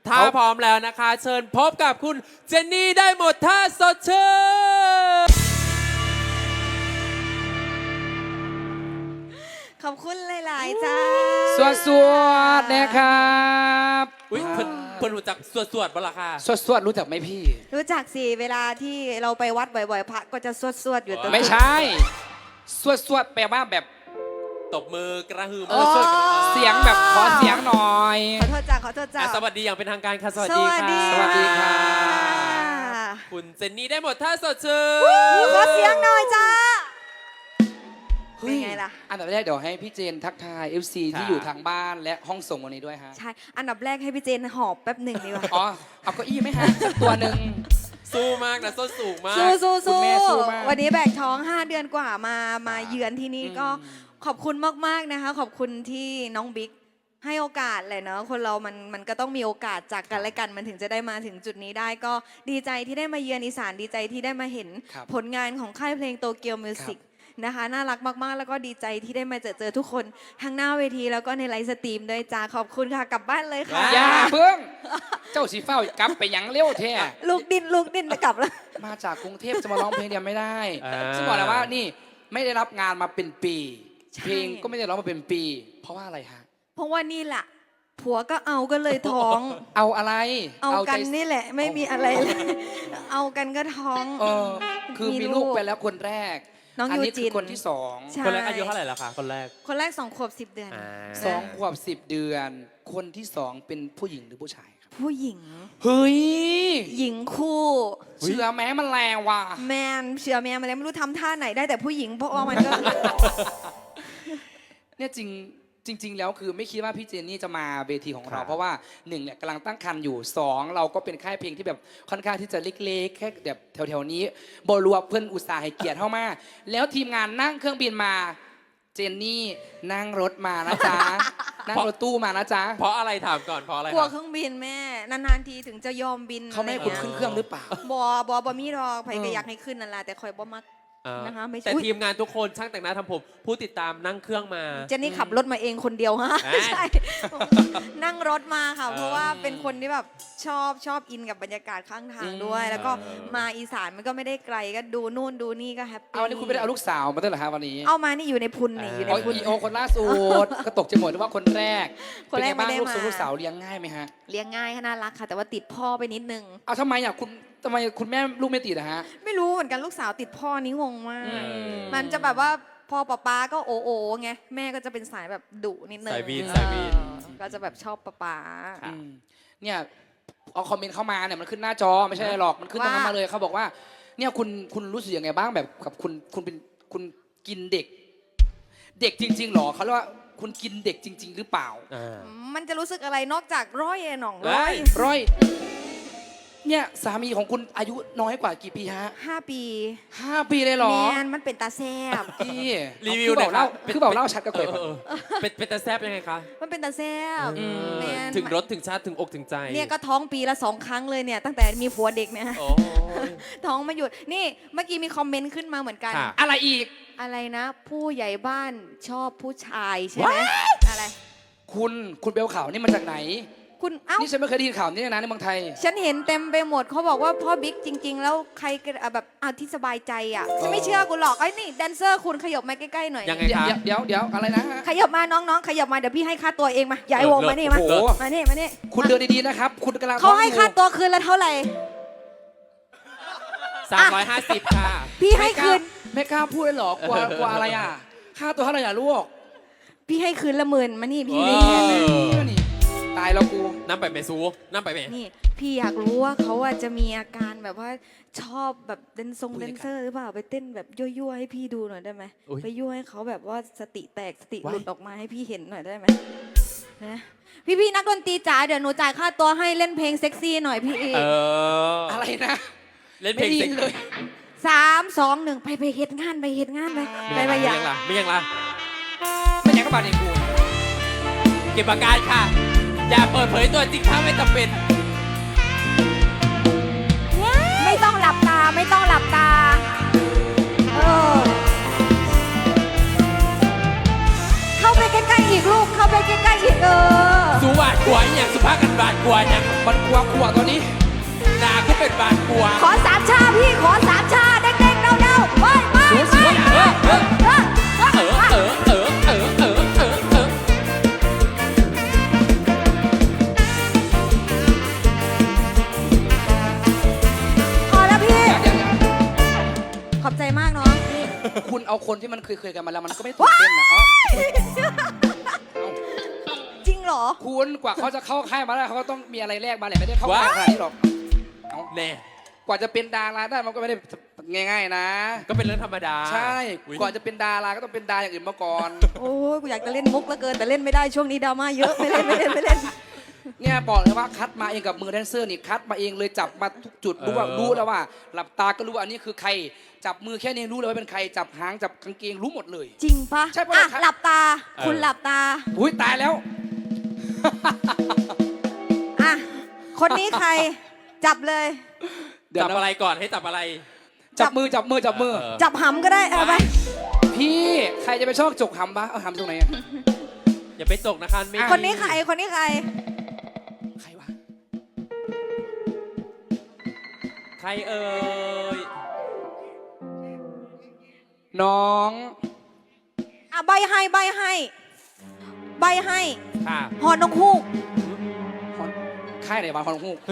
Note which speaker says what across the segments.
Speaker 1: ถ้าพร้อมแล้วนะคะ เชิญพบกับคุณเจนนี่ได้หมดท่าสดชื่น
Speaker 2: ขอบคุณหลายๆจ้า
Speaker 3: สวดนะครับ
Speaker 1: อุ้ยเพิ่นรู้จักสวดบ่ล่ะค่ะ
Speaker 3: สวดรู้จักไหมพี่
Speaker 2: รู้จักสิเวลาที่เราไปวัดบ่อยๆพระก็จะสวดอยู่ตัว
Speaker 3: ไม่ใช่สวดแปลว่าแบบ
Speaker 1: ตบมือกระหึ่ม
Speaker 3: เสียงแบบขอเสียงหน่อย
Speaker 2: ขอโทษจ้า
Speaker 1: สวัสดีอย่างเป็นทางการค่ะสวัส
Speaker 2: ส
Speaker 1: ดี
Speaker 2: วัส
Speaker 1: ค่ะ
Speaker 2: ดี
Speaker 3: สวัสดีค่ะ
Speaker 1: คุณเจนนี่ได้หมดท่าสดชื่น
Speaker 2: ขอเสียงหน่อยจ้า
Speaker 3: เป็นไงล่ะอันดับแรกเดี๋ยวให้พี่เจนทักทาย FC ที่อยู่ทางบ้านและห้องส่งวันนี้ด้วยฮะ
Speaker 2: ใช่อันดับแรกให้พี่เจนหอบแป๊บหนึ่งดีกว่า
Speaker 3: อ๋อเอาเก้าอี้ไหมฮะสักตัวหนึ่ง
Speaker 1: สู้มากนะส้นสูงมาก
Speaker 2: สู้
Speaker 3: แม่สู้มาก
Speaker 2: วันนี้แบกท้อง5 เดือนกว่ามาเยือนที่นี่ก็ขอบคุณมากๆนะคะขอบคุณที่น้องบิ๊กให้โอกาสเลยเนาะคนเรามันก็ต้องมีโอกาสจากกันและกันมันถึงจะได้มาถึงจุดนี้ได้ก็ดีใจที่ได้มาเยือนอีสานดีใจที่ได้มาเห็นผลงานของค่ายเพลงโตเกียวมิวสิกนะคะน่ารักมากๆแล้วก็ดีใจที่ได้มาเจอทุกคนทั้งหน้าเวทีแล้วก็ในไลฟ์สตรีมด้วยจ้าขอบคุณค่ะกลับบ้านเลยค่ะ
Speaker 3: อย่าเพิ่งเจ้าสีเฝ้ากลับไปยังเร็วแท้
Speaker 2: ลูกดินจะกลับแล้ว
Speaker 3: มาจากกรุงเทพจะมาร้องเพลงเดียวไม่ได้ซึ่งบอกแล้วว่านี่ไม่ได้รับงานมาเป็นปีเพลงก็ไม่ได้ร้องมาเป็นปีเพราะว่าอะไรฮะ
Speaker 2: เพราะว่านี่แหละผัวก็เอาก็เลยท้อง
Speaker 3: เอาอะไร
Speaker 2: เอากันนี่แหละไม่มีอะไรเลยเอากันก็ท้อง
Speaker 3: คือมีลูกไปแล้วคนแรก
Speaker 2: น้องยูจิน
Speaker 3: คนที่2
Speaker 1: คนแรกอายุเท่าไหร่แล้วคะคนแรก
Speaker 2: 2 ขวบ 10 เดือน
Speaker 3: 2 ขวบ 10 เดือนคนที่2เป็นผู้หญิงหรือผู้ชายครับ
Speaker 2: ผู้หญิง
Speaker 3: เฮ้ย
Speaker 2: หญิงคู่
Speaker 3: เชื่อแม้มันแรงว่ะ
Speaker 2: แมนเชื่อแม่มาแล้วไม่รู้ทำท่าไหนได้แต่ผู้หญิงเพราะว่ามันก็
Speaker 3: เนี่ยจริงแล้วคือไม่คิดว่าพี่เจนนี่จะมาเวทีของเราเพราะว่า1เนี่ยกำลังตั้งครรภ์อยู่2เราก็เป็นค่ายเพลงที่แบบค่อนข้างที่จะเล็กๆแค่แบบแถวๆนี้บรัวเพื่อนอุตส่าห์ให้เกียรติเข้ามาแล้วทีมงานนั่งเครื่องบินมาเจนนี่นั่งรถมานะจ๊ะนั่งรถตู้มานะจ๊ะ
Speaker 1: เพราะอะไรถามก่อนเพราะอะไร
Speaker 2: กลัวเครื่องบินแม่นานๆทีถึงจะยอมบิน
Speaker 3: เขาไม่ให้คุณขึ้นเครื่องหรือเปล่า
Speaker 2: บอมีรอไผก็อยากให้ขึ้นนั่นแหละแต่คอยบ่มักนะคะ
Speaker 1: แต่ทีมงานทุกคนช่างแต่งหน้าทำผมผู้ติดตามนั่งเครื่องมา
Speaker 2: เจนนี่ขับรถมาเองคนเดียวฮะใช่นั่งรถมาค่ะเพราะว่าเป็นคนที่แบบชอบอินกับบรรยากาศข้างทางด้วยแล้วก็มาอีสานมันก็ไม่ได้ไกลก็ดูนู่นดูนี่ก็แฮปปี้
Speaker 3: เอานี่คุณไม่ได้เอาลูกสาวมาด้วยเหรอคะวันนี้
Speaker 2: เอามานี่อยู่ในพุนนี่อยู่ในพุน
Speaker 3: โอคนล่าสุดก็ตกใจหมดว่าคนแรก
Speaker 2: ไม่ได้มา
Speaker 3: ลูกสาวเลี้ยงง่ายไหมฮะ
Speaker 2: เลี้ยงง่ายน่ารักค่ะแต่ว่าติดพ่อไปนิดนึง
Speaker 3: เอาทำไมอ่ะทำไมคุณแม่ลูกไม่ติดอะฮะ
Speaker 2: ไม่รู้เหมือนกันลูกสาวติดพ่อนี่งงมากมันจะแบบว่าพ่อป๊าก็โอไงแม่ก็จะเป็นสายแบบดุนิดนึง
Speaker 1: สายวีน
Speaker 2: ก็จะแบบชอบป๊า
Speaker 3: เนี่ยเอาคอมเมนต์เข้ามาเนี่ยมันขึ้นหน้าจอไม่ใช่หรอกมันขึ้นตรงนั้นมาเลยเขาบอกว่าเนี่ยคุณรู้สึกยังไงบ้างแบบกับคุณกินเด็กจริงๆหรอเขาเรียกว่าคุณกินเด็กจริงๆหรือเปล่า
Speaker 2: มันจะรู้สึกอะไรนอกจากร้อยหน่อง
Speaker 3: ร้อยเนี่ยสามีของคุณอายุน้อยกว่ากี่ปีฮะ
Speaker 2: 5 ปี
Speaker 3: เลยหรอ
Speaker 2: แมนมันเป็นตาแซบ
Speaker 3: พี่
Speaker 1: รีวิวหน่อยครับ
Speaker 3: คือบอกเล่าชัดก็เคย
Speaker 1: เป็นตาแซบยังไงคะ
Speaker 2: มันเป็นตาแซบ
Speaker 1: ถึงรสถึงชาติถึงอกถึงใจ
Speaker 2: เนี่ยก็ท้องปีละ2 ครั้งเลยเนี่ยตั้งแต่มีผัวเด็กเนี่ยท้องมาหยุดนี่เมื่อกี้มีคอมเมนต์ขึ้นมาเหมือนกัน
Speaker 3: อะไรอีก
Speaker 2: อะไรนะผู้ใหญ่บ้านชอบผู้ชายใช่ไหมอะไร
Speaker 3: คุณเบลข่าวนี่มาจากไหน
Speaker 2: คุณเอ้า
Speaker 3: นี่ฉันไม่เคยได้ยินข่าวนี้นะในเมืองไทย
Speaker 2: ฉันเห็นเต็มไปหมดเขาบอกว่าพ่อบิ๊กจริงๆแล้วใครแบบเอาที่สบายใจอ่ะฉันไม่เชื่อกูหรอกไอ้นี่แดนเซอร์คุณขยับมาใกล้ๆหน่อย
Speaker 1: ยังไงคะ
Speaker 3: เดี๋ยวอะไรนะ
Speaker 2: ขยับมาน้องๆขยับมาเดี๋ยวพี่ให้ค่าตัวเองมาอย่าไอ้วงมานี่มานี่
Speaker 3: คุณเดินดีๆนะครับคุณกำลัง
Speaker 2: เขาให้ค่าตัวคืนละเท่าไหร่
Speaker 1: 350ค่ะ
Speaker 2: พี่ให้คืน
Speaker 3: ไม่กล้าพูดเลยหรอกกลัวอะไรอ่ะค่าตัวเท่าไหร่อ่ะลูก
Speaker 2: พี่ให้คืนละ10,000มานี่พี่ไม่แคร์
Speaker 3: นี่ตายแล้วกู
Speaker 1: น้ำไปเมซูน้ำไปเม
Speaker 2: นี่พี่อยากรู้ว่าเขาจะมีอาการแบบว่าชอบแบบแดนเซอร์หรือเปล่าไปเต้นแบบยั่วๆให้พี่ดูหน่อยได้ไหมไปยั่วให้เขาแบบว่าสติแตกสติหลุดออกมาให้พี่เห็นหน่อยได้ไหมนะพี่นักดนตรีจ๋าเดี๋ยวหนูจ่ายค่าตัวให้เล่นเพลงเซ็กซี่หน่อยพี่
Speaker 3: อะไรนะ
Speaker 1: เล่นเพลงเซ็กซี่
Speaker 3: เลย
Speaker 2: 3 2 1ไปเฮ็ดงานไป
Speaker 1: อย่างล่ะไม่ยัง
Speaker 3: ก็บาดเองกู
Speaker 1: เก็บอาการค่ะอย่าเปิดเผยตัวจริงถ้าไม่จำเป็น
Speaker 2: ไม่ต้องหลับตาเข้าไปใกล้ๆอีกลูกเข้าไปใกล้ๆอีก
Speaker 1: สูบาดกลัวอย่างสุภาพกันบาดกลัวอย่าง
Speaker 3: มันกลัวตัวนี้
Speaker 1: นาก็เป็นบาดกลัว
Speaker 2: ขอสามชาพี่ขอสามชาเด้งๆเดาๆไปไป
Speaker 3: สวยๆ
Speaker 1: เออเออเออเออเออเออเออเออเออ
Speaker 2: พอแล้วพี่
Speaker 3: อย่าง
Speaker 2: ขอบใจมากน้อง
Speaker 3: คุณเอาคนที่มันเคยกันมาแล้วมันก็ไม่ตื่นเต้นนะเอา
Speaker 2: จริงเหรอ
Speaker 3: คุณกว่าเขาจะเข้าค่ายมาได้เขาก็ต้องมีอะไรแลกมาแหละไม่ได้เข้าค่ายขนาดนี้หรอกเอา
Speaker 1: แน่
Speaker 3: กว่าจะเป็นดาราได้มันก็ไม่ได้ง่ายๆนะ
Speaker 1: ก็เป็นเรื่องธรรมดา
Speaker 3: ใช่
Speaker 1: อุ๊ย
Speaker 3: ก่อนจะเป็นดาราก็ต้องเป็นดาอย่างอื่นมาก่อน
Speaker 2: โอ้ยกูอยากจะเล่นมุกเหลือเกินแต่เล่นไม่ได้ช่วงนี้ดราม่าเยอะไม่เล่นไม่เล่นไม่เล่น
Speaker 3: เนี่ยบอกเลยว่าคัดมาเองกับมือแดนเซอร์นี่คัดมาเองเลยจับมาทุกจุดรู้แล้วว่า หลับตาก็รู้ว่าอันนี้คือใครจับมือแค่นี้รู้เลยว่าเป็นใครจับหางจับกางเกงรู้หมดเลย
Speaker 2: จริงปะ
Speaker 3: ใช่ปะ
Speaker 2: อ่ะ
Speaker 3: ครับ
Speaker 2: หลับตา คุณหลับตา
Speaker 3: อุ้ยตายแล้ว
Speaker 2: อ่ะคนนี้ใครจับเลย
Speaker 3: เดี๋ยว
Speaker 1: จับ
Speaker 3: นะ
Speaker 1: อะไรก่อนให้จับอะไร
Speaker 3: จับมือ
Speaker 1: เออ
Speaker 2: จับหำก็ได้เอาไป
Speaker 3: พี่ใครจะไปชอบจกหำปะเอาหำตรงไหนอะ
Speaker 1: อย่าไปตกนะคะไม่
Speaker 2: คนนี้ใครคนนี้ใคร
Speaker 3: ใครวะ
Speaker 1: ใครเอ่ย
Speaker 3: น้อง
Speaker 2: อ่ะใบให้ใบให้ใบให้
Speaker 1: ค่ะ
Speaker 2: หอนกฮูก
Speaker 3: ค่ายไหนวะคอนฮูก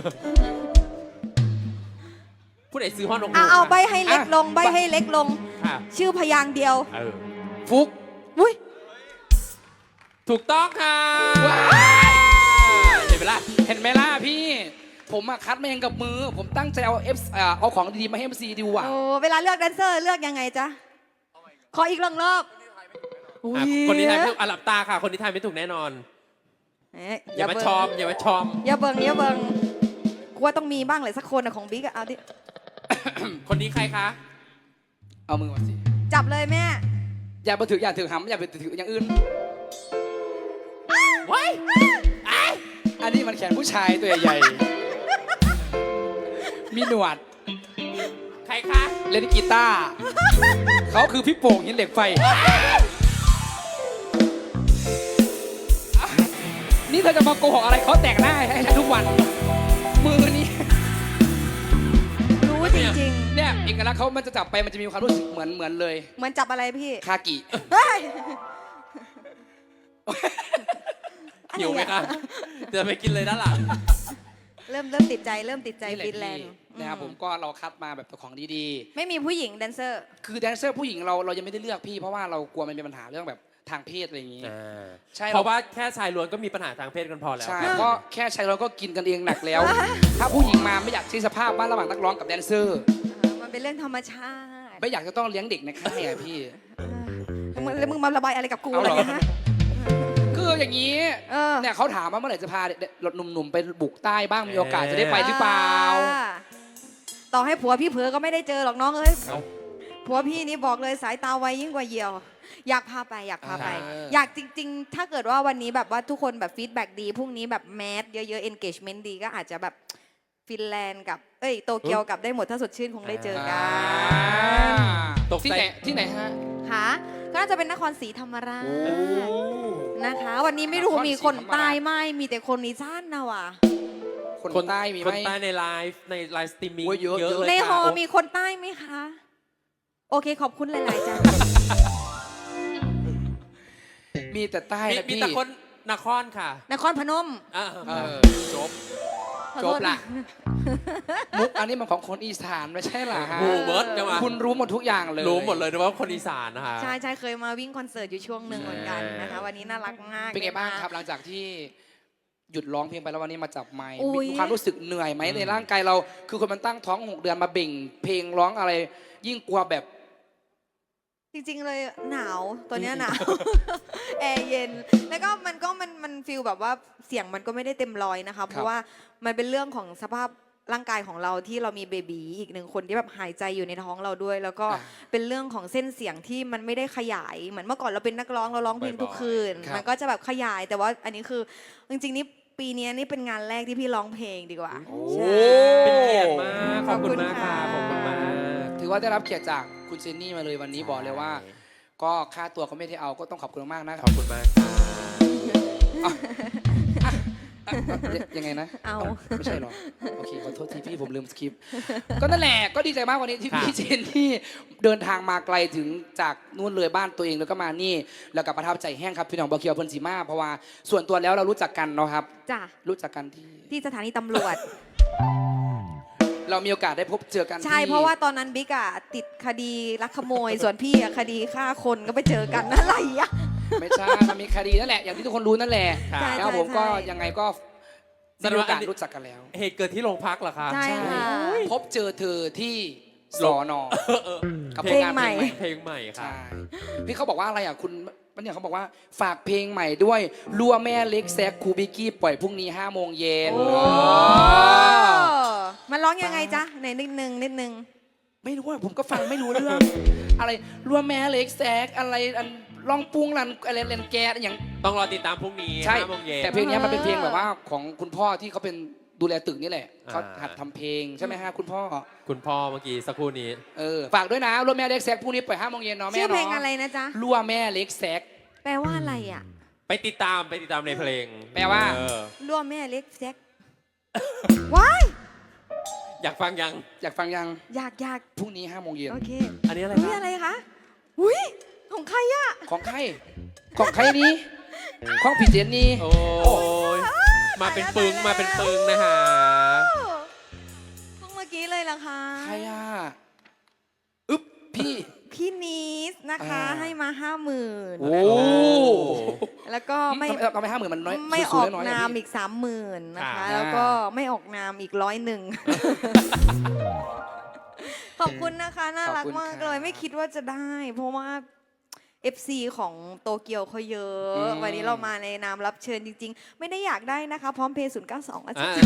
Speaker 1: ผู้ใดซื้อห้องนกฮู
Speaker 2: อ่ะ
Speaker 1: ก
Speaker 2: เอา
Speaker 1: ค่ะ
Speaker 2: ใบให้เล็กลงใบให้เล็กลง
Speaker 1: ค่ะ
Speaker 2: ชื่อพยางค์เดียว
Speaker 1: เออ
Speaker 3: ฟุก
Speaker 2: อุ้ย
Speaker 1: ถูกต้องค่ะ
Speaker 3: ว้าย
Speaker 1: เห็นไหมล่ะ
Speaker 3: เห็นไหมล่ะพี่ ผมอะคัดมาเองกับมือ ผมตั้งใจเอาของดีๆมาให้ MC ดูอ่ะ
Speaker 2: โอ้เวลาเลือกแดนเซอร์เลือกยังไงจ๊ะขออีกรอบ
Speaker 1: อ่ะคนนี้ทายไม่ถูกอ่ะหลับตาค่ะ คนนี้ทายไม่ถูกแน่นอน
Speaker 2: เอ๊ะ
Speaker 1: อย่ามาชอม อย่ามาชอม
Speaker 2: อย่าเบิงอย่าเบิงกูว่าต้องมีบ้างเลยสักคนอะของบิ๊กอะเอาดิ
Speaker 1: คนนี้ใครคะ
Speaker 3: เอามือมาสิ
Speaker 2: จับเลยแม่
Speaker 3: อย่าไปถือหำอย่าไปถืออย่างอื่น
Speaker 1: ว้าย
Speaker 3: อันนี้มันแขนผู้ชายตัวใหญ่ๆมีหนวด
Speaker 1: ใครคะ
Speaker 3: เล่นกีตาร์เขาคือพี่โป่งหินเหล็กไฟ นี่เธอจะมาโกหกอะไรเขาแต่งหน้าให้ฉันทุกวัน มือนี้
Speaker 2: รู้จริง
Speaker 3: เนี่ยเอกลักษณ์เขามันจะจับไปมันจะมีความรู้สึกเหมือนเลย
Speaker 2: ๆเหมือนจับอะไรพี่
Speaker 3: คากิ
Speaker 2: เฮ้ย
Speaker 1: หิวไหมคะจะไปกินเลยด้านหลัง
Speaker 2: เริ่มติดใจเริ่มติดใจ
Speaker 3: นี่แหละ
Speaker 2: ฟินแลนด์
Speaker 3: พี่นะครับผมก็เราคัดมาแบบของดี
Speaker 2: ไม่มีผู้หญิงแดนเซอร์
Speaker 3: ๆ คือแดนเซอร์ผู้หญิงเรายังไม่ได้เลือกพี่ เพราะว่าเรากลัวมันเป็นปัญหาเรื่องแบบทางเพศอะไรอย่างนี้ ใช่
Speaker 1: เพราะว่าแค่ชายล้วนก็มีปัญหาทางเพศกันพอแล้ว
Speaker 3: ใช่ก็แค่ใช้เราก็กินกันเองหนักแล้ว ถ้าผู้หญิงมาไม่อยากใช้สภาพบ้านระหว่างนักร้องกับแดนเซอร์
Speaker 2: มันเป็นเรื่องธรรมชาติ
Speaker 3: ไม่อยากจะต้องเลี้ยงเด็กในค่ายอะพี่
Speaker 2: แล้วมึงมาระบายอะไรกับกู
Speaker 3: เอา
Speaker 2: อะไร
Speaker 3: เหรอ
Speaker 2: เงี้ยฮะ
Speaker 3: คืออย่างนี้
Speaker 2: เออ
Speaker 3: เนี่ยเขาถามว่าเมื่อไหร่จะพาหนุ่มๆไปบุกใต้บ้างมีโอกาสจะได้ไปหรือเปล่า
Speaker 2: ต่อให้ผัวพี่เผลอก็ไม่ได้เจอหรอกน้องเอ้ย
Speaker 1: เอา
Speaker 2: ผัวพี่นี่บอกเลยสายตาไวยิ่งกว่าเหยี่ยว อยากพาไปอยากพาไป
Speaker 3: เออ
Speaker 2: อยากจริง ๆ ถ้าเกิดว่าวันนี้แบบว่าทุกคนแบบฟีดแบ็กดีพรุ่งนี้แบบแมสเยอะๆ engagement ดีก็อาจจะแบบฟินแลนด์กับโตเกียวกับได้หมดถ้าสดชื่นคงได้เจอกัน
Speaker 1: ตกใจ
Speaker 3: ที่ไหนฮะ
Speaker 2: ค่ะก็น่าจะเป็นนครศรีธรรมราช
Speaker 3: โอ้
Speaker 2: นะคะ วันนี้ไม่รู้
Speaker 3: นครศรี
Speaker 2: มีคน
Speaker 3: ธรรมราช
Speaker 2: ใต้ไหมมีแต่คนอีสานนะว่ะ
Speaker 3: คนใต้มีไห
Speaker 1: ค
Speaker 3: ม
Speaker 1: นใต้ในไลฟ์สตรีมมิ่ง
Speaker 3: โอ้ยเยอะ
Speaker 1: เลย
Speaker 2: ในฮอ
Speaker 1: ค่ะ
Speaker 2: มีคนใต้ไหมคะ โอเคขอบคุณหลายๆจ้า
Speaker 3: มีแต่ใต้
Speaker 1: มี
Speaker 3: นะ
Speaker 1: มี
Speaker 3: พี่
Speaker 1: แต่คนนครค่ะ
Speaker 2: นครพนม
Speaker 1: อ่า
Speaker 3: จบ
Speaker 2: ขอ
Speaker 3: จ
Speaker 2: โท
Speaker 3: บ
Speaker 2: ษ
Speaker 3: ละ มุกอันนี้มันของคนอีสานไม่ใช่เหรอฮะ
Speaker 1: หูเบิร์ดจังหวะ
Speaker 3: คุณรู้หมดทุกอย่างเลย
Speaker 1: รู้หมดเลยนะว่าคนอีสานนะคะ
Speaker 2: ใช่เคยมาวิ่งคอนเสิร์ตอยู่ช่วงหนึ่งเหมือนกันนะคะ วันนี้น่ารักมาก
Speaker 3: เป็นไงบ้าง
Speaker 2: ด้ม
Speaker 3: ครับหลังจากที่หยุดร้องเพลงไปแล้ววันนี้มาจับไมค์
Speaker 2: อุ๊ย
Speaker 3: มีความรู้สึกเหนื่อยไหมในร่างกายเรา คือคนมันตั้งท้อง6 เดือนมาเบ่งเพลงร้องอะไร ยิ่งกลัวแบบ
Speaker 2: จริงๆเลยหนาวตัวเนี้ยหนาว แอร์เย็น แล้วก็มันฟีลแบบว่าเสียงมันก็ไม่ได้เต็มร้อยนะคะ เพราะว่ามันเป็นเรื่องของสภาพร่างกายของเราที่เรามีเบบีอีกหนึ่งคนที่แบบหายใจอยู่ในท้องเราด้วย แล้วก็เป็นเรื่องของเส้นเสียงที่มันไม่ได้ขยายเหมือนเมื่อก่อนเราเป็นนักร้องเราร้องเพลงทุกคืน
Speaker 3: ครับ
Speaker 2: มันก็จะแบบขยายแต่ว่าอันนี้คือจริงๆนี่ปีนี้นี่เป็นงานแรกที่พี่ร้องเพลงดีกว่าใช่
Speaker 1: เป็นเกียรติมากขอบคุณมากค่ะ
Speaker 2: ข
Speaker 1: ข
Speaker 2: อ
Speaker 1: อ
Speaker 2: บบ คุ
Speaker 1: คุณ ณ
Speaker 2: ค่ะ
Speaker 1: มาก
Speaker 3: ถือว่าได้รับเกียรติจากคุณเจนนี่มาเลยวันนี้บอกเลยว่า ก็ค่าตัวก็ไม่ได้เอาก็ต้องขอบคุณมากๆนะ
Speaker 1: ขอบคุณมากค่ะ
Speaker 3: อ่ะยังไงนะ
Speaker 2: เอา
Speaker 3: ไม่ใช่หรอโอเคขอโทษทีพี่ผมลืมสคริปต์ก็นั่นแหละก็ดีใจมากวันนี้ที่พี่เจนนี่เดินทางมาไกลถึงจากนู่นเลยบ้านตัวเองแล้วก็มานี่แล้วก็ประทับใจแห้งครับพี่น้องบอเคียวเพิ่นสีมาเพราะว่าส่วนตัวแล้วเรารู้จักกันเนาะครับ
Speaker 2: จ้ะ
Speaker 3: รู้จักกันที่
Speaker 2: ที่สถานีตำรวจ
Speaker 3: เรามีโอกาสได้พบเจอกัน
Speaker 2: ใช่
Speaker 3: ที่
Speaker 2: เพราะว่าตอนนั้นบิ๊กอะติดคดีลักขโมย ส่วนพี่อะคดีฆ่าคนก็ไปเจอกันอะไรอะ
Speaker 3: ไม่ใช่มันมีคดีนั่นแหละอย่างที่ทุกคนรู้นั่นแหละ
Speaker 2: ใช่
Speaker 3: แล้วผมก็
Speaker 2: ใช่
Speaker 3: ยังไงก็ได้มีโอกาสรู้จักกันแล้ว
Speaker 1: เหตุเกิดที่โรงพักเหรอคะ
Speaker 2: ใช่ค่ะ
Speaker 3: พบเจอเธอที่สอนอกับ
Speaker 2: เพลงใหม่
Speaker 1: เพลงใหม่ค่ะ
Speaker 3: ใช่พี่เขาบอกว่าอะไรอ่ะคุณมันเนี่ยเขาบอกว่าฝากเพลงใหม่ด้วยรัวแม่เล็กแซกคูบิกกี้ปล่อยพรุ่งนี้5 โมงเย็น
Speaker 2: โอ้มันร้องยังไงจ๊ะไหนนิดนึง
Speaker 3: ไม่รู้ว่าผมก็ฟังไม่รู้เรื่อง อะไรรัวแม่เล็กแซกอะไรอันลองปรุงรันอะไรเล่นแกสอย่าง
Speaker 1: ต้องรอติดตามพรุ่งนี้
Speaker 3: ใช่
Speaker 1: 5 โมงเย็น
Speaker 3: แต่เพลงนี้มันเป็นเพลงแบบว่าของคุณพ่อที่เขาเป็นดูแลตึกนี่แหละเขาหัดทำเพลงใช่ไหมฮะคุณพ่อ
Speaker 1: คุณพ่อเมื่อกี้สักครู่นี้
Speaker 3: ฝากด้วยนะรัวแม่เล็กแซกพรุ่งนี้ปล่อย5 โมงเย็นเนาะแม่
Speaker 2: ชื่อ
Speaker 3: เนาะ
Speaker 2: เพลงอะไรนะจ๊ะ
Speaker 3: รัวแม่เล็กแซก
Speaker 2: แปลว่าอะไรอะ
Speaker 1: ไปติดตามในเพลง
Speaker 3: แปลว่า
Speaker 1: เออ
Speaker 2: ร่วมแม่เล็กแซกว้าย
Speaker 1: อยากฟังยัง
Speaker 3: อยากฟังยัง
Speaker 2: อยาก
Speaker 3: พรุ่งนี้5 โมงเย็น
Speaker 2: โอเค
Speaker 1: อันนี้อะไร
Speaker 2: อุ้ย
Speaker 1: คะ
Speaker 2: อะไรคะอุ้ยของใครอะ
Speaker 3: ของใครของใครนี้ของพี่เจนนี่
Speaker 1: โอ้ยมาเป็นปึงนะฮะ
Speaker 2: เพิ่งเมื่อกี้เลยล่ะคะ
Speaker 3: ใครอ่ะอึ๊บพี่
Speaker 2: พี่นีสนะคะ ให้มา 50,000
Speaker 3: โอ้
Speaker 2: แล้วก็ไม่
Speaker 3: ทำไม50,000มันน้อย
Speaker 2: ไม่อ
Speaker 3: สู
Speaker 2: อง ก
Speaker 3: ๆน้อยๆ
Speaker 2: นาม
Speaker 3: พี่
Speaker 2: อีก 30,000นะคะ
Speaker 3: อ่า
Speaker 2: แล้วก็ไม่ออกนามอีก101 ขอบคุณนะคะ น่ารักมากเลย ไม่คิดว่าจะได้ เพราะว่า FC ของโตเกียวเขาเยอะ วันนี้เรามาในนามรับเชิญจริง ๆ ไม่ได้อยากได้นะคะ พร้อมเพย์092อาจารย์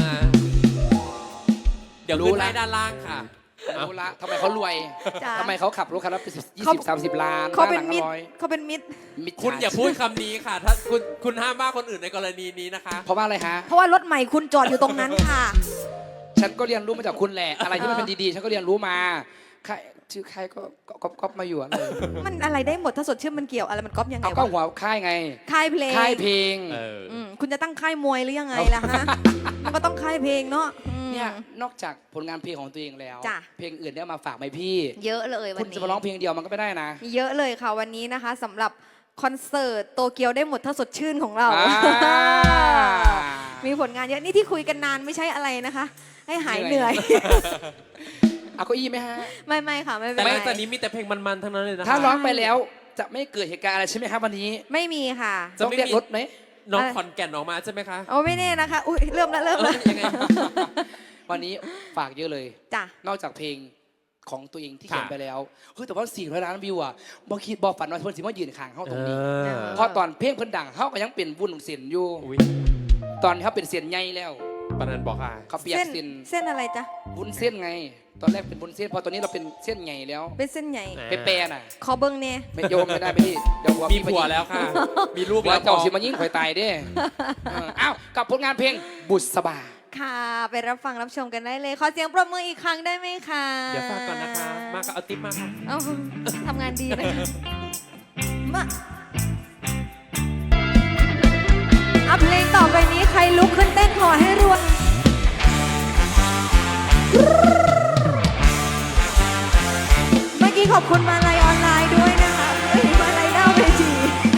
Speaker 1: เดี๋ยวรู้ให้ด้านล่างค่ะ
Speaker 3: รู้ละทำไมเขารวย
Speaker 2: จ้ะ
Speaker 3: ทำไมเขาขับรถคันละ20-30 ล้าน
Speaker 2: เขาเป็น
Speaker 3: บ้
Speaker 2: มิตร
Speaker 3: หลังละร้อย
Speaker 2: เขาเป็นมิตร
Speaker 3: มิจฉ
Speaker 1: คุณอย่าพูดคำนี้ค่ะ ถ้าคุณห้ามว่าคนอื่นในกรณีนี้นะคะ
Speaker 3: เพราะว่าอะไรฮะ
Speaker 2: เพราะว่ารถใหม่คุณจอดอยู่ตรงนั้นค่ะ
Speaker 3: ฉันก็เรียนรู้มาจากคุณแหละ อะไรที่มันเป็นดีๆ ฉันก็เรียนรู้มาใครชื่อใครก็ก๊อปมาอยู่อะไร
Speaker 2: มันอะไรได้หมดถ้าสดชื่นมันเกี่ยวอะไรมันก๊อปยังไง
Speaker 3: เอาก็
Speaker 2: วะ
Speaker 3: หัวค่ายไง
Speaker 2: ค่ายเพลง
Speaker 3: ค่ายเพลง
Speaker 1: เออ
Speaker 2: คุณจะตั้งค่ายมวยหรือยังไงล่ะฮะ มันก็ต้องค่ายเพลงเนาะอืม
Speaker 3: เนี่ยนอกจากผลงานเพลงของตัวเองแล้ว
Speaker 2: จ้ะ
Speaker 3: เพลงอื่นเนี่ยมาฝากไหมพี่
Speaker 2: เยอะเลยวั
Speaker 3: คุ
Speaker 2: น
Speaker 3: ณ
Speaker 2: นี้
Speaker 3: จะมาร้องเพลงเดียวมันก็ไม่ได้นะ
Speaker 2: มีเยอะเลยค่ะวันนี้นะคะสำหรับคอนเสิร์ตโตเกียวได้หมดถ้าสดชื่นของเรา มีผลงานเยอะนี่ที่คุยกันนานไม่ใช่อะไรนะคะ ให้หายเหนื่อย
Speaker 3: เอาเก้าอี้ไหมฮะ
Speaker 2: ไม่ค่ะไม่เป็
Speaker 1: แต่
Speaker 2: นไร
Speaker 1: หลังจากนี้มีแต่เพลงมันๆทั้งนั้นเลยนะคะ
Speaker 3: ถ้าร้องไปแล้วจะไม่เกิดเหตุการณ์อะไรใช่ไหมครับวันนี้
Speaker 2: ไม่มีค่ะ
Speaker 1: จะ
Speaker 3: ต้อง
Speaker 1: ไม่
Speaker 3: เรียก
Speaker 1: มี
Speaker 3: รถไหม
Speaker 1: น้องขอนแก่นออกมาใช่ไหมคะ
Speaker 2: โอ้ไม่แน่นะคะอุ้ยเริ่มแล้ว
Speaker 3: ยังไง วันนี้ฝากเยอะเลย
Speaker 2: จ้ะ
Speaker 3: นอกจากเพลงของตัวเองที่เขียน
Speaker 1: ค่ะ
Speaker 3: ไปแล้วเฮ้ยแต่ว่า400 ล้านวิวอ่ะบอกคิดบอกฝันว่าเพิ่นสิมายืนข้างเฮาตรงนี้
Speaker 1: เออ
Speaker 3: เพราะตอนเพลงเพิ่นดังเฮาก็ยังเป็นวุ่นเสียนอยู่
Speaker 1: อุ๊ย
Speaker 3: ตอนเขาเป็นเสียนใหญ่แล้ว
Speaker 1: ปนันบอกค่ะ
Speaker 3: เขาเปลี่ยน
Speaker 2: เส้น
Speaker 3: เส้น
Speaker 2: เส้นอะไรจ๊ะ
Speaker 3: วุ้นเส้นไง ตอนแรกเป็นวุ้นเส้นพอตอนนี้เราเป็นเส้นใหญ่แล้ว
Speaker 2: เป็นเส้นใหญ่
Speaker 1: อ่า
Speaker 3: ไปแปรน่ะ
Speaker 2: ขอเบิ้งเนี่ย
Speaker 3: ไม่โยมไม่ได้ไปที่เดี๋ยว
Speaker 1: มีผัวแล้วค่ะ มีลูก
Speaker 3: แล้
Speaker 1: แล้ว ว
Speaker 3: เจ้าสิมายิ่งข่อยตายเด้อ้าวกับผลงานเพลงบุษบา
Speaker 2: ค่ะ ไปรับฟังรับชมกันได้เลย ขอเสียงปรบมืออีกครั้งได้ไหมคะ
Speaker 1: เดี๋ยวฝากก่อนนะคะ มาก็เอาติ๊บมาค่ะ
Speaker 2: เอาทำงานดีนะคะมาเอาเพลงต่อไปนี้ใครลุกขึ้นเต้นขอให้รวยเมื่อกี้ขอบคุณมาลัยออนไลน์ด้วยนะคะมาลัยดาวเวที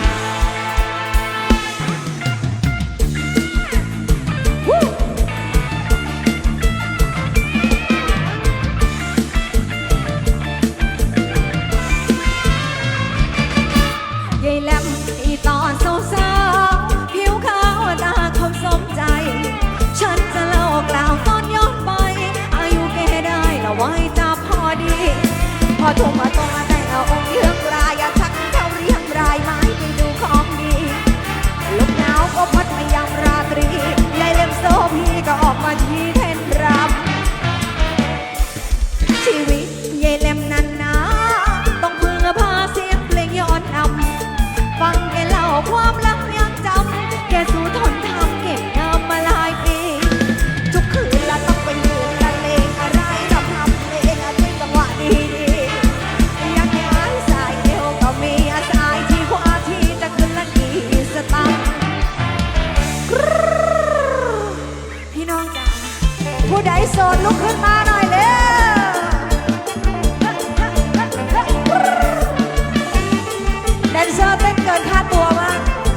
Speaker 2: ยายแหลมอีตอนสาวๆผิวขาวตาคมสมใจ ฉันจะเล่ากล่าวตอนย้อนไป อายุแกได้ละไว้จะพอดี พอทุ่มมาตรงมาแต่งเอาองค์เยือกรายอย่าทักเขาเรียงรายไม้ไปดูของดีลมหนาวก็พัดมายามราตรียายเล็มโซพีก็ออกมาที่เทนรำชีวิตยายเล็มนั้นนะต้องพึ่งพาเสียงเพลงย้อนนำฟังแกเล่าความลับยังจำแกสู้ทนทำเก็บงามมาหลายปีทุกคืนละต้องไปยืนละเลงอะไรทำเพลงด้วยจังหวะดีๆอยากผู้ใดโสดลุกขึ้นมาหน่อยเร็วแดนเซอร์เต้นเกินค่าตัวมาก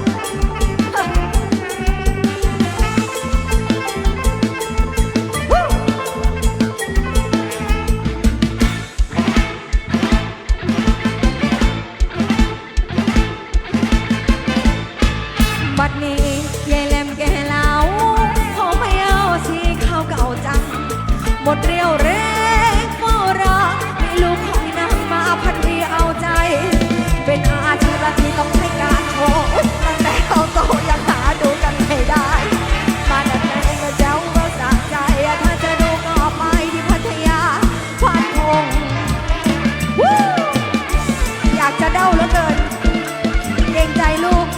Speaker 2: บัดนี้ยายแหลมแก่เหลาขอไม่เอาสีขาวเก่าจังหมดเรียวแรงเฝ้ารอให้ลูกของนางมาพันวีเอาใจ เป็นอาชีพที่ต้องใช้การโชว์ตั้งแต่เขาโตยังหาดูกันไม่ได้ มาดัดแปลงก็เจ้าก็สะใจ ถ้าจะดูก็ไปที่พัทยาพันคงวู้อยากจะเด้าเหลือเกินเกรงใจลูก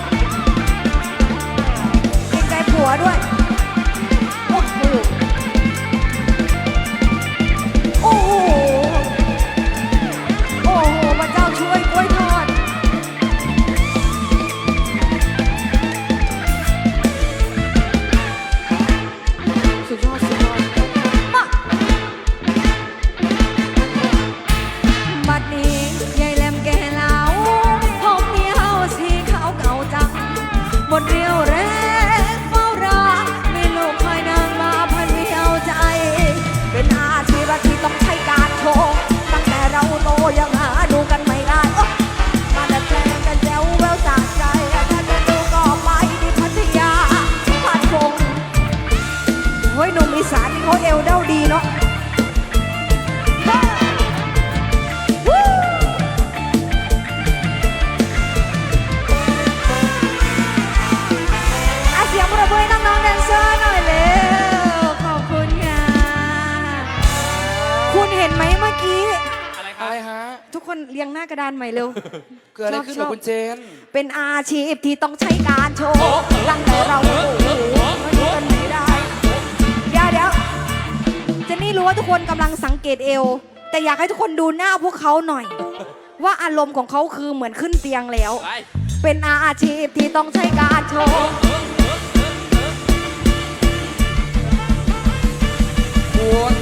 Speaker 2: เกรงใจผัวด้วย โอ้โห โอ้โห โอ้โหพระเจ้าช่วยกล้วยทอด สุดยอดสุดยอดมาบัดนี้ยายแหลมแก่เหลาผมเมียวสีขาวเก่าจัง หมดเรียวแรงเฝ้ารอมีลูกคอยนางมาพันไม่เอาใจ เป็นอาชีพที่ต้องใช้การโชว์ตั้งแต่เราโตยังหาดูกันไม่ได้โอ๊ะมาดัดแปลงกันแจ๋วแววสะใจ ถ้าจะดูก็ไปที่พัทยาพันคงเฮ้ยหนุ่มอีสานนี่เขาเอวเด้าดีเนาะวู้ เสียงปรบมือให้น้องๆแดนเซอร์หน่อยเร็วขอบคุณค่ะ คุณเห็นไหมเมื่อกี้
Speaker 1: อะไรค
Speaker 3: อะ
Speaker 1: รับ
Speaker 3: ไรฮะ
Speaker 2: ทุกคนเรียงหน้ากระดานใหม่เร็ว
Speaker 3: เกิดอะไรขึ้นกับคุณเจน
Speaker 2: เป็นอาชีพที่ต้องใช้การโชว์ตั้งแต่เราโอ้โหมันกันไม่ได้ เดี๋ยวเจนนี่รู้ว่าทุกคนกำลังสังเกตเอว แต่อยากให้ทุกคนดูหน้าพวกเขาหน่อย ว่าอารมณ์ของเขาคือเหมือนขึ้นเตียงแล้ว
Speaker 1: ไป
Speaker 2: เป็นอาชีพที่ต้องใช้การโชว์
Speaker 3: ปวด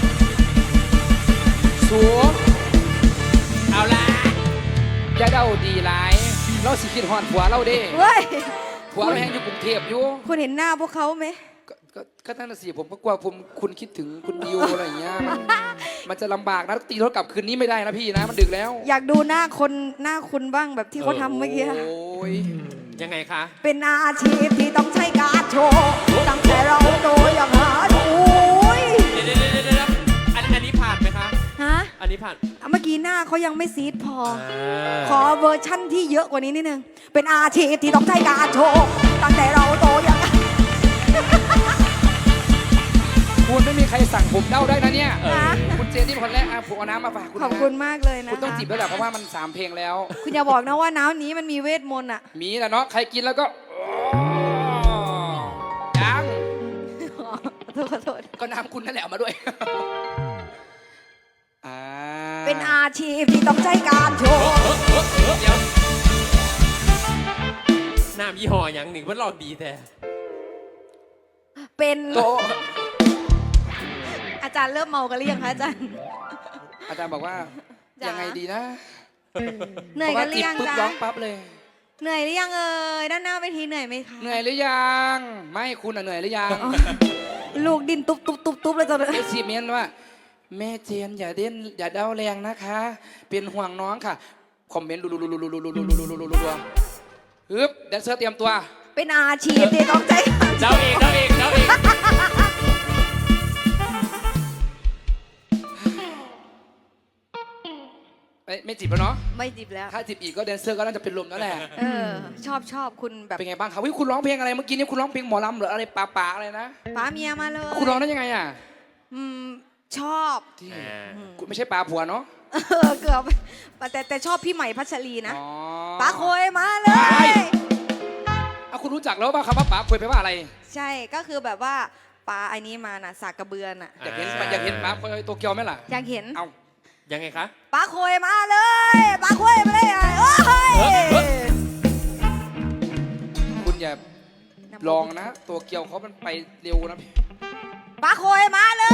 Speaker 3: สูง
Speaker 1: เอาละ
Speaker 3: อย่าเด้าดีหลาย เราสิคิดฮอดผัวเราเด้
Speaker 2: เว้ย
Speaker 3: ผัวเราแห้งอยู่กรุงเทพอยู่
Speaker 2: คุณเห็นหน้าพวกเขาไหม
Speaker 3: ก็นั่นน่ะสิผมก็กลัวคุณคิดถึงคุณดิวอะไรอย่างเงี้ยมันจะลำบากนะตีรถกลับคืนนี้ไม่ได้นะพี่นะ มันดึกแล้ว
Speaker 2: อยากดูหน้าคุณบ้างแบบที่เขาทำเมื่อกี้
Speaker 3: โอ้ย
Speaker 1: ยังไงคะ
Speaker 2: เป็นอาชีพที่ต้องใช้การโชว์ตั้งแต่เราโตยังหาดูย
Speaker 1: เดี๋ยวอันนี้ผ่านไหมคะ
Speaker 2: ฮะ
Speaker 1: อันนี้ผ่าน
Speaker 2: เมื่อกี้หน้าเขายังไม่ซีดพอ
Speaker 1: า
Speaker 2: ขอเวอร์ชั่นที่เยอะกว่านี้นิดนึง เป็นอาชีพที่ต้องใช้การโชว์ตั้งแต่เราโตยัง
Speaker 3: คุณไม่มีใครสั่งผมเด้าได้นะเนี่ย
Speaker 2: นะ
Speaker 3: คุณเจนที่เป็นคนแรกอ่ะผมเอาน้ำมาฝากคุณนะ
Speaker 2: ขอบคุณมากเลยนะ
Speaker 3: คุณต้อง
Speaker 2: คะ
Speaker 3: จิบแล้วแหละเพราะว่ามัน3 เพลงแล้ว
Speaker 2: คุณอย่าบอกนะว่าน้ำนี้มันมีเวทมนต์อะ
Speaker 3: มีแหละเนาะใครกินแล้วก็ยัง
Speaker 2: ขอโทษ
Speaker 3: ก็น้ำคุณนั่นแหละเอามาด้วยอ่า
Speaker 2: เป็นอาชีพที่ต้องใช้การโชว์
Speaker 1: เดี๋ยวน้ำยี่ห้ออย่างหนึ่งเพื่อนลองดีแต่
Speaker 2: เป็น
Speaker 3: โตะ
Speaker 2: อาจารย์เริ่มเมากันหรือยังคะอาจารย์
Speaker 3: อาจารย์บอกว่า
Speaker 2: จ๋ายั
Speaker 3: ยังไงดีนะ
Speaker 2: เหนื่อยกันหรือยัง
Speaker 3: เพราะว่าจิบปุ๊บ
Speaker 2: จ๊ะ
Speaker 3: ร้องปั๊บเลย
Speaker 2: เหนื่อยหรือยังเอ่ยด้านหน้าเวทีเหนื่อยไหมคะ
Speaker 3: เหนื่อยหรือยังไม่คุณอะเหนื่อยหรือยัง
Speaker 2: ลูกดินตุ๊บเลยตอนนี้
Speaker 3: เอซีเมนว่า แม่เจนอย่าอย่าเด้าแรงนะคะ เป็นห่วงน้องค่ะ คอมเมนต์รัวฮึบแดนเซอร์เตรียมตัว
Speaker 2: เป็นอาชีพที่ต้องใช้การโช
Speaker 1: เดา
Speaker 2: ว์
Speaker 1: เอง
Speaker 3: ไม่จีบแล้วเนาะ
Speaker 2: ไม่จิบแล้ว
Speaker 3: ถ้าจีบอีกก็แดนเซอร์ก็น่าจะเป็นลมแล้วแหละ
Speaker 2: ชอบคุณแบบ
Speaker 3: เป็นไงบ้างครับวิคุณร้องเพลงอะไรเมื่อกี้นี้คุณร้องเพลงหมอลำหรืออะไรป่าอะไรนะ
Speaker 2: ป้าเมียมาเลย
Speaker 3: คุณร้องได้ยังไงอ่ะ
Speaker 2: อืมชอบ
Speaker 3: ที่
Speaker 1: อ่า
Speaker 3: คุณไม่ใช่ป่าผัวเนาะ
Speaker 2: เกือบแต่ชอบพี่ใหม่พัชรีนะ
Speaker 3: อ๋อ
Speaker 2: ป้าโคยมาเลย
Speaker 3: เอาคุณรู้จักแล้วป่ะคำว่าป่าคุยไปลว่าอะไร
Speaker 2: ใช่ก็คือแบบว่าป้าไอ้นี้มาน่ะสากกระเบือน่ะ
Speaker 3: อยากเห็นป่าคุยโตเกียวไหมล่ะ
Speaker 2: อยากเห็น
Speaker 3: เอา
Speaker 1: ยังไงคะ
Speaker 2: ป้าโคยมาเลยป้าโคยมาเลยโอ้ย
Speaker 3: คุณอย่าลองนะ ตัวเกียวเขามันไปเร็วนะพี่
Speaker 2: ป้าโคยมาเลย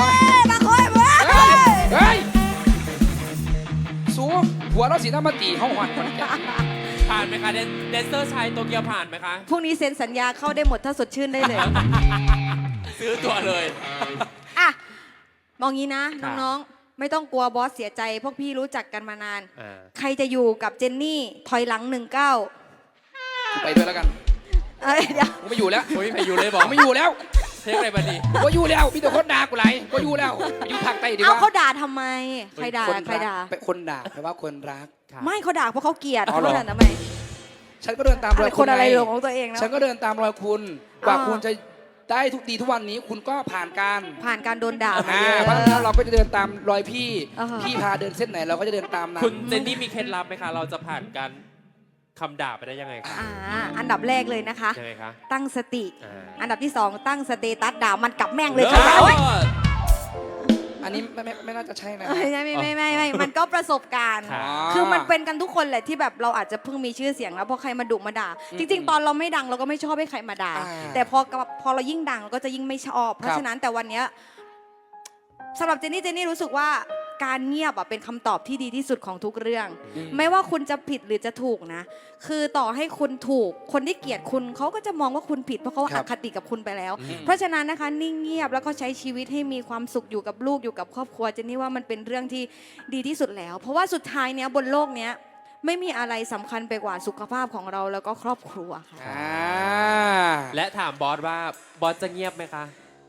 Speaker 3: ผัวเราสีน้ำมาตีห้องหอนคนแก่
Speaker 1: ผ่านไหมคะแดนเซอร์ชายโตเกียวผ่านไหมคะ
Speaker 2: พรุ่งนี้เซ็นสัญญาเข้าได้หมดถ้าสดชื่นได้เลย
Speaker 1: ซื้อตัวเลย
Speaker 2: อ่ะมองงี้นะ
Speaker 1: ค่ะ
Speaker 2: น้องๆ ไม่ต้องกลัวบอสเสียใจ พวกพี่รู้จักกันมานาน
Speaker 1: อ่า
Speaker 2: ใครจะอยู่กับเจนนี่ถอยหลัง 19
Speaker 3: กูไปด้วยแล้วกัน
Speaker 2: เดี๋ยว
Speaker 3: กูไม่อยู่แล้ว
Speaker 1: โอ้ยไปอยู่เลยบ
Speaker 3: ผ
Speaker 1: อก
Speaker 3: มไม่อยู่แล้ว
Speaker 1: เทคอะไรบันดี
Speaker 3: กูอยู่แล้วมีแต่คนด่ากูไหลกูอยู่แล้วไปอยู่ภาคใต้ดีก
Speaker 2: เอา
Speaker 3: ว่า
Speaker 2: เขาด่าทำไม ใครด่า
Speaker 3: คน
Speaker 2: ใครด่า
Speaker 3: รักเป็นคนด่าแปลว่าคนรัก
Speaker 2: ไม่เขาด่าเพราะเขาเกลียด
Speaker 3: อ๋อ
Speaker 2: เขา
Speaker 3: เหรอ
Speaker 2: ด่าทำไม
Speaker 3: ฉันก็เดินตามรอย
Speaker 2: ค
Speaker 3: คุณ
Speaker 2: นอะไร
Speaker 3: ไง
Speaker 2: หลงของตัวเองนะ
Speaker 3: ฉันก็เดินตามรอยคุณกว่า
Speaker 2: อ่า
Speaker 3: คุณจะได้ทุกดีทุกวันนี้คุณก็ผ่านการ
Speaker 2: ผ่านการโดนด่ามา
Speaker 3: อ่า
Speaker 2: เยอะ
Speaker 3: เพราะฉะนั้นเราก็จะเดินตามรอยพี่
Speaker 2: อ่าฮะ
Speaker 3: พี่พาเดินเส้นไหนเราก็จะเดินตามนั้น
Speaker 1: คุณเจนนี่มีเคล็ดลับไหมคะ เราจะผ่านการคำด่าไปได้ยังไงคะ
Speaker 2: อันดับแรกเลยนะคะ
Speaker 1: ยังไงคะ
Speaker 2: ตั้งสติ
Speaker 1: อ่า
Speaker 2: อันดับที่ 2 ตั้งสเตตัสด่ามันกลับแม่งเลย
Speaker 1: เอ
Speaker 2: ค่ะ
Speaker 1: อ
Speaker 3: อันนี้ไม่น่าจะใช่นะ
Speaker 2: ไม่มันก็ประสบการณ์
Speaker 1: ค่ะ
Speaker 2: คือมันเป็นกันทุกคนแหละที่แบบเราอาจจะเพิ่งมีชื่อเสียงแล้วพอใครมาดุมาด่า จริง ๆ ตอนเราไม่ดังเราก็ไม่ชอบให้ใครมาด่า
Speaker 3: อ่า
Speaker 2: แต่พอเรายิ่งดังเราก็จะยิ่งไม่ชอบ เพราะฉะนั้นแต่วันเนี้ยสำหรับเจนนี่รู้สึกว่าการเงียบเป็นคำตอบที่ดีที่สุดของทุกเรื่อง ไม่ว่าคุณจะผิดหรือจะถูกนะ คือต่อให้คุณถูกคนที่เกลียดคุณเขาก็จะมองว่าคุณผิดเพราะเขา
Speaker 3: ครั
Speaker 2: อบ คติกับคุณไปแล้ว
Speaker 1: อืม
Speaker 2: เพราะฉะนั้นนะคะนิ่งเงียบแล้วก็ใช้ชีวิตให้มีความสุขอยู่กับลูกอยู่กับครอบครัวเจนนี่ว่ามันเป็นเรื่องที่ดีที่สุดแล้ว เพราะว่าสุดท้ายเนี้ยบนโลกเนี้ยไม่มีอะไรสำคัญไปกว่าสุขภาพของเราแล้วก็ครอบครัวค่ะ
Speaker 3: อ่า
Speaker 1: และถามบอสว่าบอสจะเงียบไหมคะ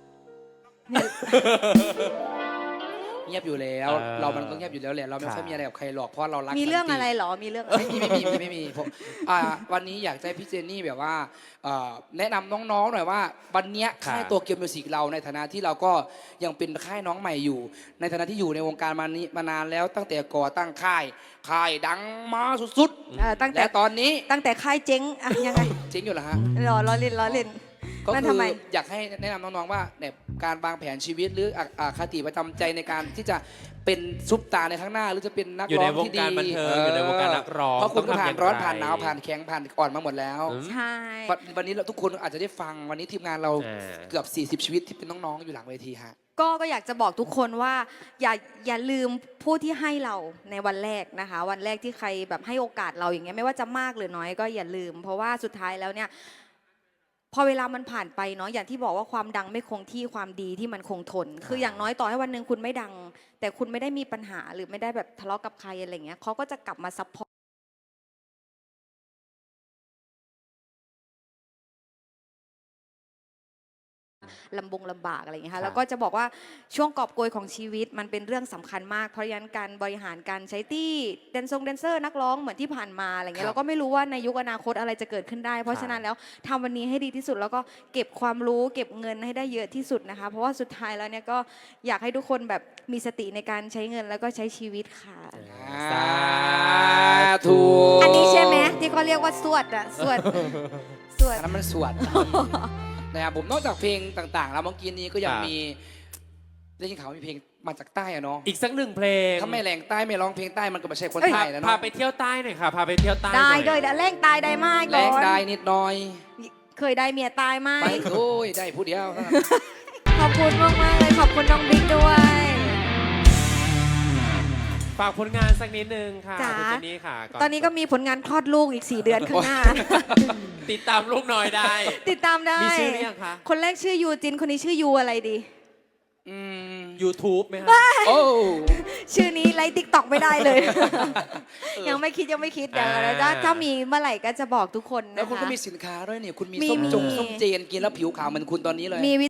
Speaker 3: เงียบอยู่แล้ว
Speaker 1: เออ
Speaker 3: เรามันก็เงียบอยู่แล้วแหละเราไม่ค่อย
Speaker 1: ค่ะ
Speaker 3: มีอะไรกับใครหรอกเพราะเรารัก
Speaker 2: มีเรื่อง
Speaker 3: สันติ
Speaker 2: อะไรเหรอมีเรื่อง
Speaker 3: ไม่มีผมวันนี้อยากจะให้พี่เจนนี่แบบว่าแนะนำน้องๆหน่อยว่าวันเนี้ย
Speaker 1: ค่ะ
Speaker 3: ค่ายตัวเกียวมิวสิกเราในฐานะที่เราก็ยังเป็นค่ายน้องใหม่อยู่ ในฐานะที่อยู่ในวงการมานานแล้วตั้งแต่ก่อตั้งค่ายดังมาสุด
Speaker 2: ตั้ง
Speaker 3: ๆ
Speaker 2: แต่
Speaker 3: และตอนนี้
Speaker 2: ตั้งแต่ค่ายเจ๊งอะยังไง
Speaker 3: เจ๊งอยู่เหรอฮะ
Speaker 2: ล้อเล่น
Speaker 3: ก็
Speaker 2: นั่น
Speaker 3: คื
Speaker 2: ทำไม
Speaker 3: อยากให้แนะนำน้องๆว่าเนี่ยการวางแผนชีวิตหรือคติประจำใจในการที่จะเป็นซุปตาร์ในข้างหน้า หรือจะเป็นนัก
Speaker 1: อยู่
Speaker 3: ร้
Speaker 1: ใน
Speaker 3: อง
Speaker 1: วง
Speaker 3: ที่ดี
Speaker 1: การบันเทิงอยู่ในวงการนักร้อง
Speaker 3: เพราะคุณก็
Speaker 1: ต้องทำ
Speaker 3: ผ่า
Speaker 1: อน ย่าง
Speaker 3: ร้อน
Speaker 1: ไร
Speaker 3: ผ่านหนาวผ่านแข็งผ่านอ่อนมาหมดแล้ว
Speaker 1: อืม
Speaker 2: ใช่
Speaker 3: วันนี้เราทุกคนอาจจะได้ฟังวันนี้ทีมงานเรา
Speaker 1: อ่า
Speaker 3: เกือบ40 ชีวิตที่เป็นน้องๆอยู่หลังเวทีฮะ
Speaker 2: ก็อยากจะบอกทุกคนว่าอย่าลืมผู้ที่ให้เราในวันแรกนะคะ วันแรกที่ใครแบบให้โอกาสเราอย่างเงี้ยไม่ว่าจะมากหรือน้อยก็อย่าลืม เพราะว่าสุดท้ายแล้วเนี่ยพอเวลามันผ่านไปเนาะอย่างที่บอกว่าความดังไม่คงที่ความดีที่มันคงทน คืออย่างน้อยต่อให้วันหนึ่งคุณไม่ดัง แต่คุณไม่ได้มีปัญหาหรือไม่ได้แบบทะเลาะกับใครอะไรเงี้ยเขาก็จะกลับมาซัพพอร์ตลำบากอะไรอย่างเงี้ย
Speaker 1: ครั
Speaker 2: ค่ะ
Speaker 1: บ
Speaker 2: แล้วก็จะบอกว่าช่วงกอบโกยของชีวิตมันเป็นเรื่องสำคัญมาก เพราะฉะนั้นการบริหารการใช้ตี้แดนเซอร์นักร้องเหมือนที่ผ่านมาอะไรเงี้
Speaker 3: ครั
Speaker 2: ย
Speaker 3: บ
Speaker 2: เราก็ไม่รู้ว่าในยุคอนาคตอะไรจะเกิดขึ้นได้ เพราะฉะนั้นแล้วทำวันนี้ให้ดีที่สุดแล้วก็เก็บความรู้เก็บเงินให้ได้เยอะที่สุดนะคะ เพราะว่าสุดท้ายแล้วเนี่ยก็อยากให้ทุกคนแบบมีสติในการใช้เงินแล้วก็ใช้ชีวิตค่ะ
Speaker 1: สา
Speaker 3: ธุ
Speaker 2: อันนี้ใช่ไหมที่เขาเรียกว่าสวดอะสวด
Speaker 3: อันนั้นมันสวด นะครับผมนอกจากเพลงต่างๆ แล้วเมื่อกี้นี้ก็ยังมีได้ยินข่าวว่ามีเพลงมาจากใต้อะเนาะ
Speaker 1: อีกสักหนึ่งเพลง
Speaker 3: ถ้าไม่แรงใต้ไม่ร้องเพลงใต้มันก็ไม่ใช่คน
Speaker 2: เอ้ย
Speaker 3: ใต้แล้ว
Speaker 1: พา
Speaker 3: เนาะ
Speaker 1: ไปเที่ยวใต้หน่อยค่ะ พาไปเที่ยวใต้ห
Speaker 2: ได้
Speaker 1: น่อย
Speaker 2: เลยเดี๋ยวแรงตายได้มาก
Speaker 3: แร
Speaker 2: ก่อง น
Speaker 3: ได้นิดหน่อย
Speaker 2: เคยได้เมียตายไหม
Speaker 3: ไปโอ้ยได้ผู้เดียวเท่านั้น
Speaker 2: ขอบคุณมากๆเลยขอบคุณน้องบิ๊กด้วย
Speaker 1: ฝากผลงานสักนิดนึงค่ะ
Speaker 2: จ๋า
Speaker 1: คุณเจนนี่ค่ะ
Speaker 2: ตอนนี้ก็มีผลงานคลอดลูกอีก 4 เดือนข้างหน้า
Speaker 1: ติดตามลูกน้อยได้
Speaker 2: ติดตามได้
Speaker 1: มีชื่อหรือยังคะ
Speaker 2: คนแรกชื่อยูจิน คนนี้ชื่อยูอะไรดี
Speaker 3: อืม
Speaker 1: YouTube ไหมคะ
Speaker 3: โอ้
Speaker 2: ชื่อนี้ไลฟ์ติ๊กต็อกไม่ได้เลย ยังไม่คิดเดี๋ยว
Speaker 1: อ่า
Speaker 2: ถ้ามีเมื่อไหร่ก็จะบอกทุกคน
Speaker 3: แล้ว
Speaker 2: นะ
Speaker 3: คุณก็
Speaker 2: คะ
Speaker 3: มีสินค้าด้วยนี่คุณมี
Speaker 2: มี
Speaker 3: ส้มส้มเจนกินแล้วผิวขาวเหมือนคุณตอนนี้เลย
Speaker 2: มี